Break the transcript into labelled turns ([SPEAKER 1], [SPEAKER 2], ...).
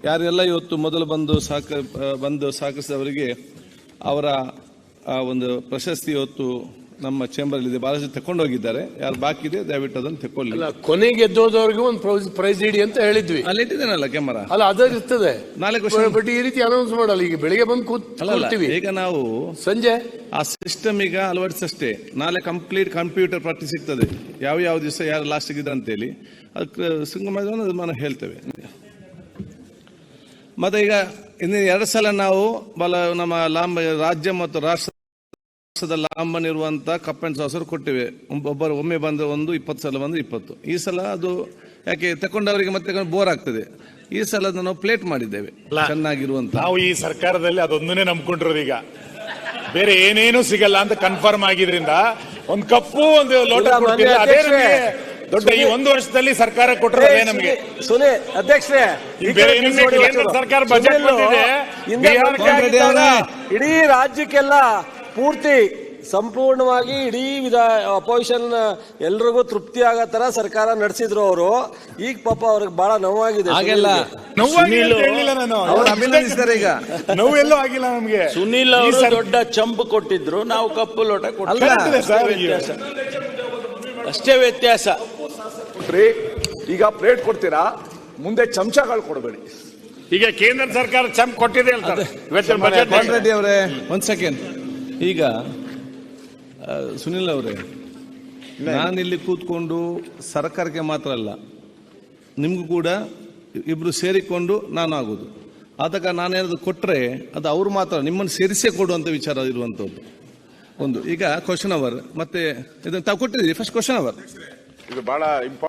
[SPEAKER 1] ಯಾರೆಲ್ಲ ಇವತ್ತು ಮೊದಲು ಬಂದು ಸಹಕರಿಸಿದವರಿಗೆ ಅವರ ಒಂದು ಪ್ರಶಸ್ತಿ ಇವತ್ತು ನಮ್ಮ ಚೇಂಬರ್ ಇದೆ, ಬಹಳಷ್ಟು ತಕೊಂಡೋಗಿದ್ದಾರೆ. ಯಾರು ಬಾಕಿ ಇದೆ ದಯವಿಟ್ಟು ಅದನ್ನು ತಕೊಳ್ಳಿ.
[SPEAKER 2] ಕೊನೆಗೆ ಗೆದ್ದೋದವ್ರಿಗೆ ಒಂದು ಪ್ರೈಸ್ ಇಡಿ ಅಂತ ಹೇಳಿದ್ವಿ.
[SPEAKER 1] ಅಲ್ಲಿ ಇಟ್ಟಿದ್ದೇನಲ್ಲ ಕ್ಯಾಮರಾ,
[SPEAKER 2] ಅಲ್ಲ ಅದೇ ಇರ್ತದೆ.
[SPEAKER 1] ನಾಳೆ
[SPEAKER 2] ಬಟ್ ಈ ರೀತಿ ಅನೌನ್ಸ್ ಮಾಡಲ್ಲ. ಈಗ ಬೆಳಿಗ್ಗೆ ಬಂದು ಕೂತ್ಕೊಳ್ತೀವಿ,
[SPEAKER 1] ಈಗ ನಾವು
[SPEAKER 2] ಸಂಜೆ
[SPEAKER 1] ಆ ಸಿಸ್ಟಮ್ ಈಗ ಅಳವಡಿಸಷ್ಟೇ. ನಾಳೆ ಕಂಪ್ಲೀಟ್ ಕಂಪ್ಯೂಟರ್ ಪಟ್ಟಿ ಸಿಗ್ತದೆ, ಯಾವ ದಿವಸ ಯಾರು ಲಾಸ್ಟ್ ಇದ್ದಾರೆ ಅಂತೇಳಿ. ಅದಕ್ಕೆ ನಾನು ಹೇಳ್ತೇವೆ. ಮತ್ತೆ ಈಗ ಇನ್ನು 2 ಸಲ ನಾವು ನಮ್ಮ ರಾಜ್ಯ ಮತ್ತು ರಾಷ್ಟ್ರದ ಲಾಂಬನ್ ಇರುವಂತ ಕಪ್ ಅಂಡ್ ಸಾಸರ್ ಕೊಟ್ಟಿವೆ. ಒಮ್ಮೆ ಬಂದು 20 ಸಲ ಬಂದು 20. ಈ ಸಲ ಅದು ಯಾಕೆ ತಕೊಂಡವರಿಗೆ ಮತ್ತೆ ಬೋರ್ ಆಗ್ತದೆ. ಈ ಸಲ ನಾವು ಪ್ಲೇಟ್ ಮಾಡಿದ್ದೇವೆ ಚೆನ್ನಾಗಿರುವಂತ.
[SPEAKER 3] ನಾವು ಈ ಸರ್ಕಾರದಲ್ಲಿ ಅದೊಂದನ್ನೇ ನಂಬ್ಕೊಂಡಿರೋದು. ಈಗ ಬೇರೆ ಏನೇನು ಸಿಗಲ್ಲ ಅಂತ ಕನ್ಫರ್ಮ್ ಆಗಿದ್ರಿಂದ ಒಂದು ಕಪ್ಪು ಒಂದು ಲೋಟ ಕೊಡ್ತಿಲ್ಲ. ಅದೇ ನಮಗೆ ದೊಡ್ಡ ಈ 1 ವರ್ಷದಲ್ಲಿ ಸರ್ಕಾರ ಕೊಟ್ಟಿರೋದೇ ನಮಗೆ.
[SPEAKER 2] ಅಧ್ಯಕ್ಷರೇ,
[SPEAKER 3] ಕೇಂದ್ರ ಸರ್ಕಾರ ಬಜೆಟ್ ಬಂದಿದೆ,
[SPEAKER 2] ಇಡೀ ರಾಜ್ಯಕ್ಕೆಲ್ಲ ಪೂರ್ತಿ ಸಂಪೂರ್ಣವಾಗಿ ಇಡೀ ಅಪೋಸಿಷನ್ ಎಲ್ರಿಗೂ ತೃಪ್ತಿ ಆಗೋ ತರ ಸರ್ಕಾರ ನಡೆಸಿದ್ರು ಅವರು. ಈಗ ಪಾಪ ಅವ್ರಿಗೆ ಬಹಳ ನೋವಾಗಿದೆ.
[SPEAKER 3] ನೋವೆಲ್ಲೂ ಆಗಿಲ್ಲ ನಮ್ಗೆ.
[SPEAKER 4] ಸುನೀಲ್ ಅವರು ದೊಡ್ಡ ಚಂಪು ಕೊಟ್ಟಿದ್ರು, ನಾವು ಕಪ್ಪು ಲೋಟ ಕೊಟ್ಟಿದ್ದೀವಿ, ಅಷ್ಟೇ ವ್ಯತ್ಯಾಸ.
[SPEAKER 5] ಈಗ ಪ್ಲೇಟ್ ಕೊಡ್ತೀರಾ, ಮುಂದೆ ಚಮಚಗಳು ಕೊಡಬೇಡಿ.
[SPEAKER 3] ಈಗ ಕೇಂದ್ರ ಸರ್ಕಾರ ಚಂಪ್ ಕೊಟ್ಟಿದೆ
[SPEAKER 1] ರೆಡ್ಡಿ ಅವರೇ, 1 ಸೆಕೆಂಡ್. ಈಗ ಸುನಿಲ್ ಅವರೇ, ನಾನಿಲ್ಲಿ ಕೂತ್ಕೊಂಡು ಸರ್ಕಾರಕ್ಕೆ ಮಾತ್ರ ಅಲ್ಲ, ನಿಮ್ಗೂ ಕೂಡ ಇಬ್ರು ಸೇರಿಕೊಂಡು ನಾನು ಆಗುದು. ಆದಾಗ ನಾನೇನಾದ್ರು ಕೊಟ್ಟರೆ ಅದು ಅವ್ರು ಮಾತ್ರ ನಿಮ್ಮನ್ನು ಸೇರಿಸೇ ಕೊಡುವಂಥ ವಿಚಾರ ಇರುವಂಥದ್ದು ಒಂದು. ಈಗ ಕ್ವಶನ್ ಅವರ್ ಮತ್ತೆ ಇದನ್ನು ತಾವು ಕೊಟ್ಟಿದ್ದೀರಿ. ಫಸ್ಟ್ ಕ್ವಶನ್ ಅವರ್
[SPEAKER 5] ಇದು ಬಹಳ